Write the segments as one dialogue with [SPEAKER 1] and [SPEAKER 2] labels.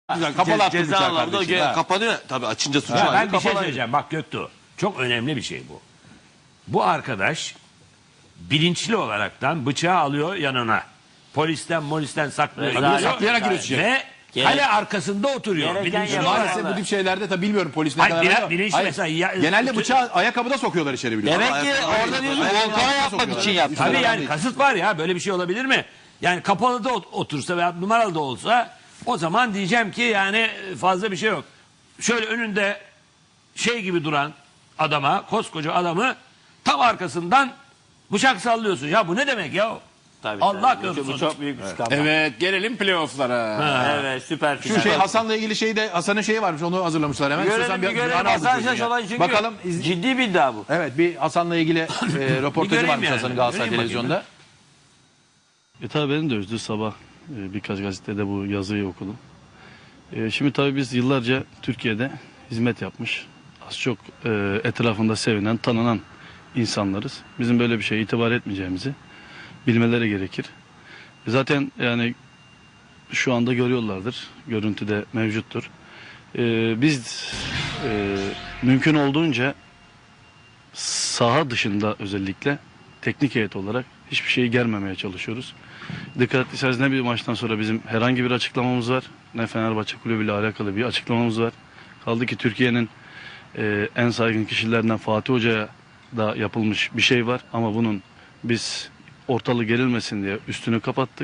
[SPEAKER 1] Güzel, kapalı attı
[SPEAKER 2] Ceza
[SPEAKER 1] bıçağı
[SPEAKER 2] alanında
[SPEAKER 1] kardeşim. Ha.
[SPEAKER 2] kapanıyor. Tabii açınca suçu
[SPEAKER 3] Ya
[SPEAKER 2] var.
[SPEAKER 3] ben bir şey söyleyeceğim. Bak Göktuğ. Çok önemli bir şey bu. Bu arkadaş bilinçli olaraktan bıçağı alıyor yanına. Polisten saklıyor.
[SPEAKER 1] Tabii saklayarak giriyorsun.
[SPEAKER 3] Ve kale arkasında oturuyor.
[SPEAKER 4] Gereken
[SPEAKER 3] Bilinçli
[SPEAKER 4] yer-
[SPEAKER 3] olarak.
[SPEAKER 1] Maalesef bu tip şeylerde tabii bilmiyorum polis ne
[SPEAKER 3] Hayır,
[SPEAKER 1] kadar.
[SPEAKER 3] biraz
[SPEAKER 1] ama-
[SPEAKER 3] bilinç
[SPEAKER 1] Hayır,
[SPEAKER 3] mesela ya-
[SPEAKER 1] genelde bıçağı ayakkabıda sokuyorlar içeri biliyorum.
[SPEAKER 2] Demek ki orada diyorsun volkan yapmak için yaptı.
[SPEAKER 3] Tabii
[SPEAKER 1] Üstüne
[SPEAKER 3] yani
[SPEAKER 1] değil.
[SPEAKER 3] kasıt var ya, böyle bir şey olabilir mi? Yani kapalı da otursa veya numaralı da olsa o zaman diyeceğim ki yani fazla bir şey yok. Şöyle önünde şey gibi duran adama, koskoca adamı tam arkasından bıçak sallıyorsun. Ya bu ne demek ya?
[SPEAKER 4] Tabii,
[SPEAKER 3] Allah
[SPEAKER 4] tabii.
[SPEAKER 3] korusun.
[SPEAKER 4] Bu çok büyük bir skandal.
[SPEAKER 5] Evet, gelelim playoff'lara.
[SPEAKER 4] Evet, süper
[SPEAKER 1] Şu
[SPEAKER 4] final.
[SPEAKER 1] şey Hasan'la ilgili şeyde Hasan'ın şeyi varmış onu hazırlamışlar hemen.
[SPEAKER 4] Görelim,
[SPEAKER 1] İstiyorsan
[SPEAKER 4] bir görelim.
[SPEAKER 1] an aldık
[SPEAKER 4] Hasan
[SPEAKER 1] gözüne.
[SPEAKER 4] Şaş çünkü
[SPEAKER 1] Bakalım
[SPEAKER 4] ciddi bir iddia bu.
[SPEAKER 1] evet bir Hasan'la ilgili röportajı
[SPEAKER 3] göreyim
[SPEAKER 1] varmış
[SPEAKER 3] yani.
[SPEAKER 1] Hasan'ın Galatasaray
[SPEAKER 3] Göreyim bakayım.
[SPEAKER 1] televizyonda.
[SPEAKER 6] Tabii benim de üzdü sabah birkaç gazetede bu yazıyı okudum. Şimdi tabii biz yıllarca Türkiye'de hizmet yapmış, az çok etrafında sevinen, tanınan insanlarız. Bizim böyle bir şeye itibar etmeyeceğimizi bilmeleri gerekir. Zaten yani şu anda görüyorlardır, görüntüde mevcuttur. Biz mümkün olduğunca saha dışında özellikle teknik heyet olarak hiçbir şeyi germemeye çalışıyoruz. Dikkat ettiyseniz ne bir maçtan sonra bizim herhangi bir açıklamamız var, ne Fenerbahçe Kulübü ile alakalı bir açıklamamız var. Kaldı ki Türkiye'nin en saygın kişilerinden Fatih Hoca'ya da yapılmış bir şey var. Ama bunun biz ortalığı gerilmesin diye üstünü kapattık.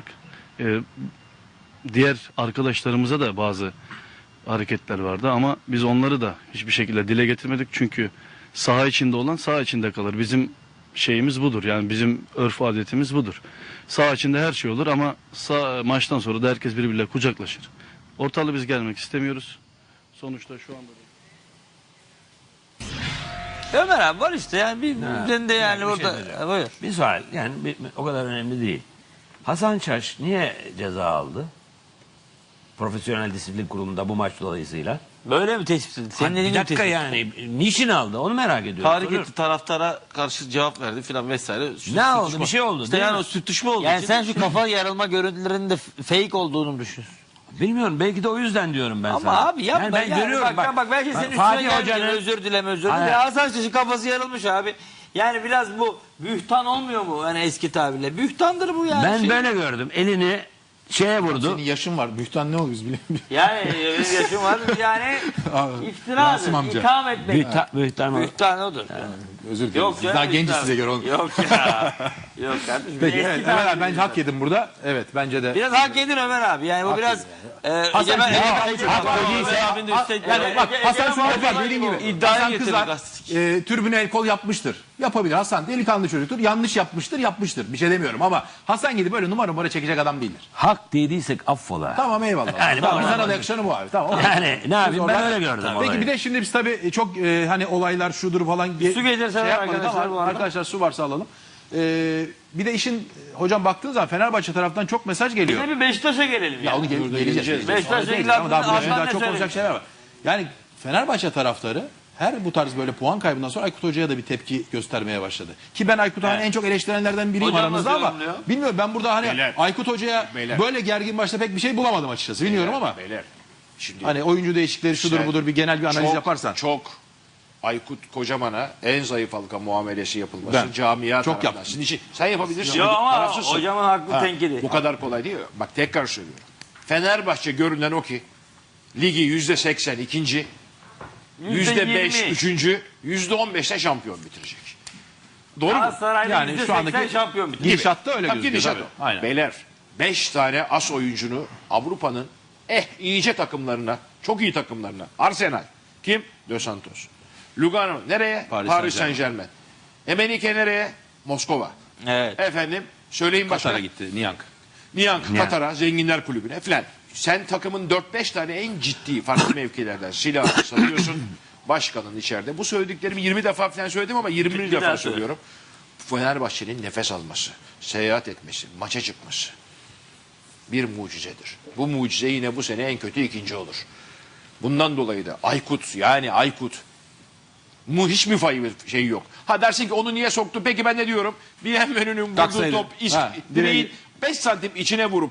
[SPEAKER 6] Diğer arkadaşlarımıza da bazı hareketler vardı ama biz onları da hiçbir şekilde dile getirmedik. Çünkü saha içinde olan saha içinde kalır. Bizim şeyimiz budur. Yani bizim örf adetimiz budur. Saha içinde her şey olur ama maçtan sonra da herkes birbiriyle kucaklaşır. Ortalığı biz gelmek istemiyoruz. Sonuçta şu anda
[SPEAKER 4] Ömer abi var işte yani ben de yani
[SPEAKER 3] bir şey
[SPEAKER 4] orada.
[SPEAKER 3] söyleyeceğim.
[SPEAKER 4] Buyur.
[SPEAKER 3] Bir sual yani o kadar önemli değil. Hasan Şaş niye ceza aldı? Profesyonel Disiplin Kurulu'nda bu maç dolayısıyla.
[SPEAKER 4] Böyle mi tespit edildi? Senin
[SPEAKER 3] Bir
[SPEAKER 4] dediğin gibi
[SPEAKER 3] dakika
[SPEAKER 4] tespit.
[SPEAKER 3] yani niçin aldı onu merak ediyorum.
[SPEAKER 2] Tahrik
[SPEAKER 3] Soruyorum.
[SPEAKER 2] etti, taraftara karşı cevap verdi filan vesaire.
[SPEAKER 3] Ne oldu? Bir şey oldu
[SPEAKER 2] İşte
[SPEAKER 3] değil
[SPEAKER 2] yani
[SPEAKER 3] mi?
[SPEAKER 2] o sürtüşme oldu.
[SPEAKER 4] Yani sen şu kafa yarılma görüntülerinin de fake olduğunu mu düşünüyorsun?
[SPEAKER 3] Bilmiyorum belki de o yüzden diyorum ben
[SPEAKER 4] Ama
[SPEAKER 3] sana.
[SPEAKER 4] abi yapma.
[SPEAKER 3] Yani ben
[SPEAKER 4] yani
[SPEAKER 3] görüyorum
[SPEAKER 4] bak belki senin üstüne
[SPEAKER 3] Fatih
[SPEAKER 4] gelmeyecek.
[SPEAKER 3] Hoca'nın
[SPEAKER 4] Özür dileme.
[SPEAKER 3] Hayır.
[SPEAKER 4] Hasan Şaş'ın kafası yarılmış abi. Yani biraz bu bühtan olmuyor mu? Yani eski tabirle. Bühtandır bu yani.
[SPEAKER 3] ben böyle gördüm. Elini şeye vurdu.
[SPEAKER 1] Senin yaşın var. Bühtan ne olur biz bilemiyoruz.
[SPEAKER 4] Yani benim yaşım var. Yani
[SPEAKER 1] Rasim
[SPEAKER 4] iftiradır.
[SPEAKER 1] amca.
[SPEAKER 4] İtham etmek.
[SPEAKER 3] Bühtan o.
[SPEAKER 4] Bühtan odur.
[SPEAKER 1] Özür dilerim.
[SPEAKER 4] Yok
[SPEAKER 1] Biz
[SPEAKER 4] canım,
[SPEAKER 1] daha genciz
[SPEAKER 4] iftira.
[SPEAKER 1] size göre. Onu.
[SPEAKER 4] Yok ya. Yok kardeşim.
[SPEAKER 1] Peki
[SPEAKER 4] Eski
[SPEAKER 1] evet, Ömer
[SPEAKER 4] tabirle
[SPEAKER 1] abi ben hak yedim burada. Evet bence de.
[SPEAKER 4] Biraz hak edin Ömer abi. Yani bu biraz
[SPEAKER 1] Hasan
[SPEAKER 4] Hasan
[SPEAKER 1] Suat var dediğin gibi.
[SPEAKER 4] İddiaya
[SPEAKER 1] Hasan
[SPEAKER 4] getirdi
[SPEAKER 1] kızar,
[SPEAKER 4] gazeteci.
[SPEAKER 1] türbüne el kol yapmıştır. Yapabilir. Hasan delikanlı çocuktur. Yanlış yapmıştır. Bir şey demiyorum ama Hasan gidip böyle numara çekecek adam değildir.
[SPEAKER 3] Hak dediysek affola.
[SPEAKER 1] Tamam eyvallah.
[SPEAKER 3] Yani
[SPEAKER 1] tamam,
[SPEAKER 3] bana-
[SPEAKER 1] sana da yakışanı bu abi. Tamam.
[SPEAKER 3] Yani ne yapayım ben
[SPEAKER 1] Oradan-
[SPEAKER 3] öyle gördüm
[SPEAKER 1] Peki
[SPEAKER 3] olayı.
[SPEAKER 1] bir de şimdi biz tabii çok hani olaylar şudur falan.
[SPEAKER 4] Su getirseler
[SPEAKER 1] yapmadık
[SPEAKER 4] arkadaşlar
[SPEAKER 1] ama
[SPEAKER 4] bu arada.
[SPEAKER 1] arkadaşlar su varsa alalım. Bir de işin hocam baktığınız zaman Fenerbahçe taraftan çok mesaj geliyor.
[SPEAKER 4] Bir Beşiktaş'a gelelim ya.
[SPEAKER 1] Ya onu geleceğiz.
[SPEAKER 4] Beşiktaş'la ilgili
[SPEAKER 1] Ama daha
[SPEAKER 4] Adnan
[SPEAKER 1] daha
[SPEAKER 4] ne
[SPEAKER 1] çok
[SPEAKER 4] söyledi?
[SPEAKER 1] olacak şeyler var. Yani Fenerbahçe taraftarı her bu tarz böyle puan kaybından sonra Aykut Hoca'ya da bir tepki göstermeye başladı. Ki ben Aykut Hoca'nın en çok eleştirenlerden biriyim
[SPEAKER 4] Hocam
[SPEAKER 1] aranızda
[SPEAKER 4] nasıl
[SPEAKER 1] ama
[SPEAKER 4] yorumluyor?
[SPEAKER 1] bilmiyorum ben burada hani
[SPEAKER 5] Beyler.
[SPEAKER 1] Aykut Hoca'ya
[SPEAKER 5] Beyler.
[SPEAKER 1] böyle gergin başta pek bir şey bulamadım açıkçası. Bilmiyorum ama
[SPEAKER 5] Beyler. Şimdi
[SPEAKER 1] hani oyuncu değişikleri şudur
[SPEAKER 5] Sen
[SPEAKER 1] budur bir genel bir analiz yaparsan.
[SPEAKER 5] Çok Aykut Kocaman'a en zayıf halka muamelesi yapılması
[SPEAKER 1] Ben.
[SPEAKER 5] camia
[SPEAKER 1] Çok
[SPEAKER 5] tarafından.
[SPEAKER 1] yaptım.
[SPEAKER 5] Sizin için sen yapabilirsin.
[SPEAKER 4] Yok ama
[SPEAKER 5] Tarafsızsın.
[SPEAKER 4] hocamın haklı
[SPEAKER 5] Ha,
[SPEAKER 4] tenkidi.
[SPEAKER 5] Bu kadar kolay değil. Bak tekrar söylüyorum. Fenerbahçe görünen o ki ligi %80 ikinci, %5
[SPEAKER 4] %20.
[SPEAKER 5] üçüncü, %15'te şampiyon bitirecek. Doğru mu?
[SPEAKER 4] Galatasaray'da
[SPEAKER 1] Yani şu andaki
[SPEAKER 4] %80 şampiyon bitti.
[SPEAKER 1] gidişatta öyle
[SPEAKER 5] Tabii
[SPEAKER 1] gözüküyor.
[SPEAKER 5] gidişat
[SPEAKER 1] tabii.
[SPEAKER 5] o.
[SPEAKER 1] Aynen.
[SPEAKER 5] Beyler 5 tane as oyuncunu Avrupa'nın iyice takımlarına, çok iyi takımlarına. Arsenal. Kim? Dos Santos. Lugano nereye?
[SPEAKER 1] Paris
[SPEAKER 5] Paris
[SPEAKER 1] Saint-Germain.
[SPEAKER 5] Saint-Germain. Emenike nereye? Moskova.
[SPEAKER 4] Evet.
[SPEAKER 5] Efendim söyleyin başka.
[SPEAKER 1] Katar'a gitti Niyank.
[SPEAKER 5] Niyank Katar'a, Zenginler Kulübü'ne filan. Sen takımın 4-5 tane en ciddi farklı mevkilerden silah satıyorsun. Başkanın içeride. Bu söylediklerimi 20 defa falan söyledim ama 20.
[SPEAKER 4] Bir
[SPEAKER 5] defa
[SPEAKER 4] daha söyle.
[SPEAKER 5] söylüyorum. Fenerbahçe'nin nefes alması, seyahat etmesi, maça çıkması bir mucizedir. Bu mucize yine bu sene en kötü ikinci olur. Bundan dolayı da Aykut hiç mi şey yok. Ha dersin ki onu niye soktu? Peki ben ne diyorum? Bienvenu'nun vurduğu
[SPEAKER 1] Taksaydı.
[SPEAKER 5] top
[SPEAKER 1] Ha,
[SPEAKER 5] direğin
[SPEAKER 1] direği-
[SPEAKER 5] 5 santim içine vurup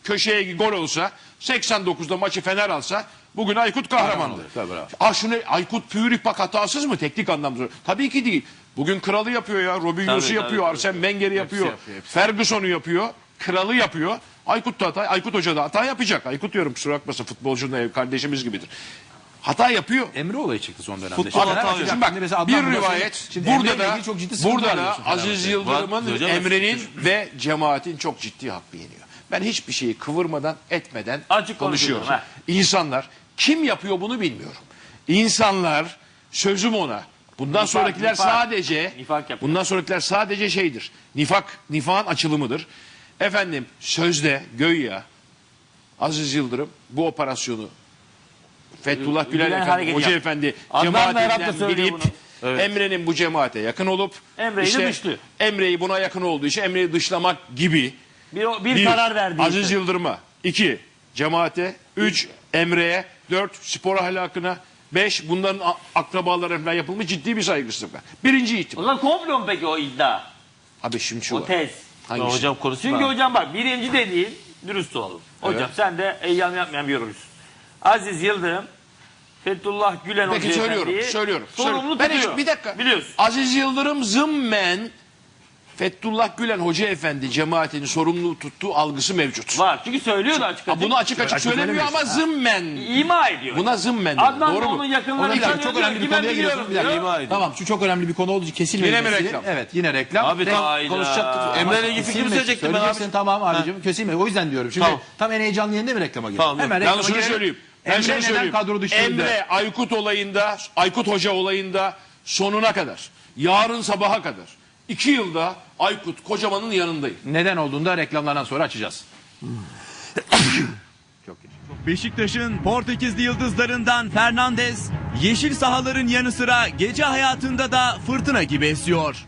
[SPEAKER 5] köşeye gol olsa 89'da maçı Fener alsa bugün Aykut kahramandır.
[SPEAKER 1] Tabii, bravo.
[SPEAKER 5] Şunu Aykut Pürik bak hatasız mı teknik anlamda? Tabii ki değil. Bugün kralı yapıyor ya. Robinho'su
[SPEAKER 2] Tabii,
[SPEAKER 5] yapıyor.
[SPEAKER 2] tabii.
[SPEAKER 5] Arsene Wenger'i yapıyor. Ferguson'u yapıyor. Kralı yapıyor. Aykut da hata. Aykut Hoca da hata yapacak. Aykut diyorum kusura bakmasın futbolcunun ev kardeşimiz gibidir. Hata yapıyor.
[SPEAKER 1] Emre olayı çıktı son dönemde.
[SPEAKER 2] Futbol hata
[SPEAKER 1] Fenerbahçe-
[SPEAKER 2] yok.
[SPEAKER 5] Şimdi bak
[SPEAKER 1] Şimdi mesela
[SPEAKER 5] bir
[SPEAKER 1] Adnan
[SPEAKER 5] rivayet
[SPEAKER 1] Şimdi
[SPEAKER 5] burada
[SPEAKER 1] Emre'yle
[SPEAKER 5] da
[SPEAKER 1] ilgili çok ciddi sıkıntılar
[SPEAKER 5] burada da
[SPEAKER 1] diyorsun
[SPEAKER 5] Aziz
[SPEAKER 1] Fenerbahçe'de.
[SPEAKER 5] Yıldırım'ın,
[SPEAKER 2] Var, hocam.
[SPEAKER 5] Emre'nin ve cemaatin çok ciddi hakkı yeniyor. Ben hiçbir şeyi kıvırmadan etmeden
[SPEAKER 4] Açık
[SPEAKER 5] konuşuyorum.
[SPEAKER 4] konuşuyorum,
[SPEAKER 5] İnsanlar kim yapıyor bunu bilmiyorum. İnsanlar sözüm ona. Bundan sonrakiler
[SPEAKER 4] nifak.
[SPEAKER 5] sadece
[SPEAKER 4] Nifak yapıyor.
[SPEAKER 5] bundan sonrakiler sadece şeydir. Nifakın açılımıdır. Efendim sözde göya Aziz Yıldırım bu operasyonu Fethullah Gülen
[SPEAKER 4] Gülen
[SPEAKER 5] Efendi,
[SPEAKER 4] hareketi
[SPEAKER 5] Hoca
[SPEAKER 4] yap.
[SPEAKER 5] Efendi
[SPEAKER 4] Adnan Berat da
[SPEAKER 5] cemaatinden
[SPEAKER 4] söylüyor
[SPEAKER 5] bilip
[SPEAKER 4] bunu.
[SPEAKER 5] Emre'nin bu cemaate yakın olup
[SPEAKER 4] Emre'yi de dışlıyor.
[SPEAKER 5] Emre'yi buna yakın olduğu için Emre'yi dışlamak gibi
[SPEAKER 4] Bir karar verdi.
[SPEAKER 5] Aziz Yıldırım'a, 2 cemaate, 3 Emre'ye, 4 spor ahlakına, 5 bunların akrabalarına falan yapılmış ciddi bir saygısızlık var. Birinci
[SPEAKER 4] O
[SPEAKER 5] ihtimal.
[SPEAKER 4] zaman komplo mu peki o iddia?
[SPEAKER 5] Abi şimdi şu
[SPEAKER 4] O
[SPEAKER 5] var.
[SPEAKER 4] tez.
[SPEAKER 5] Hangisi?
[SPEAKER 2] Hocam konuşsun.
[SPEAKER 4] Çünkü hocam bak birinci dediğin dürüst olalım. Hocam sen de eyyam yapmayan bir yorumcusun. Aziz Yıldırım Fethullah Gülen
[SPEAKER 5] Peki
[SPEAKER 4] Hoca
[SPEAKER 5] söylüyorum.
[SPEAKER 4] Efendi'yi sorumlu
[SPEAKER 5] Ben
[SPEAKER 4] tutuyor.
[SPEAKER 5] bir dakika.
[SPEAKER 4] Biliyorsun.
[SPEAKER 5] Aziz Yıldırım zımmen Fethullah Gülen Hoca Efendi cemaatini sorumlu tuttuğu algısı mevcut.
[SPEAKER 4] Var. Çünkü söylüyor da açık
[SPEAKER 5] Ha,
[SPEAKER 4] açık.
[SPEAKER 5] bunu açık açık söylemiyor ama zımmen.
[SPEAKER 4] İma ediyor.
[SPEAKER 5] Buna zımmen. diyor.
[SPEAKER 4] Adnan
[SPEAKER 5] Doğru
[SPEAKER 4] da
[SPEAKER 5] mu?
[SPEAKER 4] onun yakınlarını
[SPEAKER 1] Bir dakika,
[SPEAKER 4] tanıyor.
[SPEAKER 1] çok önemli bir
[SPEAKER 4] diyor ki, ben
[SPEAKER 1] konuya giriyorsun.
[SPEAKER 4] biliyorum
[SPEAKER 1] Bir dakika.
[SPEAKER 4] diyor.
[SPEAKER 2] İma ediyor.
[SPEAKER 1] Tamam şu çok önemli bir konu olduğu için kesilmemesi.
[SPEAKER 5] Yine mi reklam?
[SPEAKER 1] Evet yine reklam.
[SPEAKER 2] Abi tam
[SPEAKER 4] Hayda.
[SPEAKER 2] konuşacaktık. Emre'yle ilgili fikrimi söyleyecektim ben abi.
[SPEAKER 1] Söyleyeceksin tamam abicim kesilme. O yüzden diyorum. Şimdi
[SPEAKER 2] Tamam.
[SPEAKER 1] tam en heyecanlı yerinde mi reklama girelim?
[SPEAKER 2] Tamam,
[SPEAKER 1] Hemen
[SPEAKER 5] Ben
[SPEAKER 1] reklama
[SPEAKER 5] şunu
[SPEAKER 1] girelim.
[SPEAKER 5] söyleyeyim. Ben
[SPEAKER 1] Emre
[SPEAKER 5] şunu
[SPEAKER 1] neden
[SPEAKER 5] söyleyeyim.
[SPEAKER 1] kadro dışında?
[SPEAKER 5] Emre Aykut olayında, Aykut Hoca olayında sonuna kadar, yarın sabaha kadar 2 yılda Aykut Kocaman'ın yanındayım.
[SPEAKER 1] Neden olduğunu da reklamlardan sonra açacağız. Çok geç.
[SPEAKER 7] Beşiktaş'ın Portekizli yıldızlarından Fernandes, yeşil sahaların yanı sıra gece hayatında da fırtına gibi esiyor.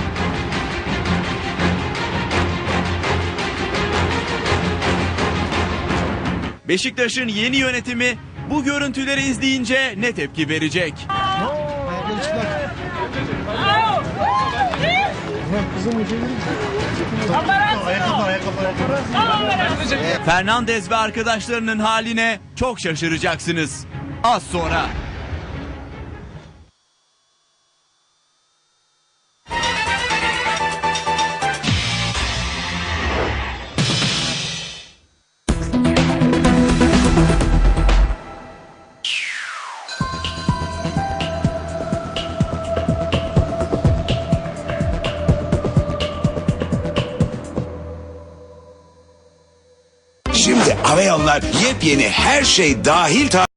[SPEAKER 7] Beşiktaş'ın yeni yönetimi bu görüntüleri izleyince ne tepki verecek? Fernandes ve arkadaşlarının haline çok şaşıracaksınız. Az sonra.
[SPEAKER 8] Şimdi Aveyallar yepyeni her şey dahil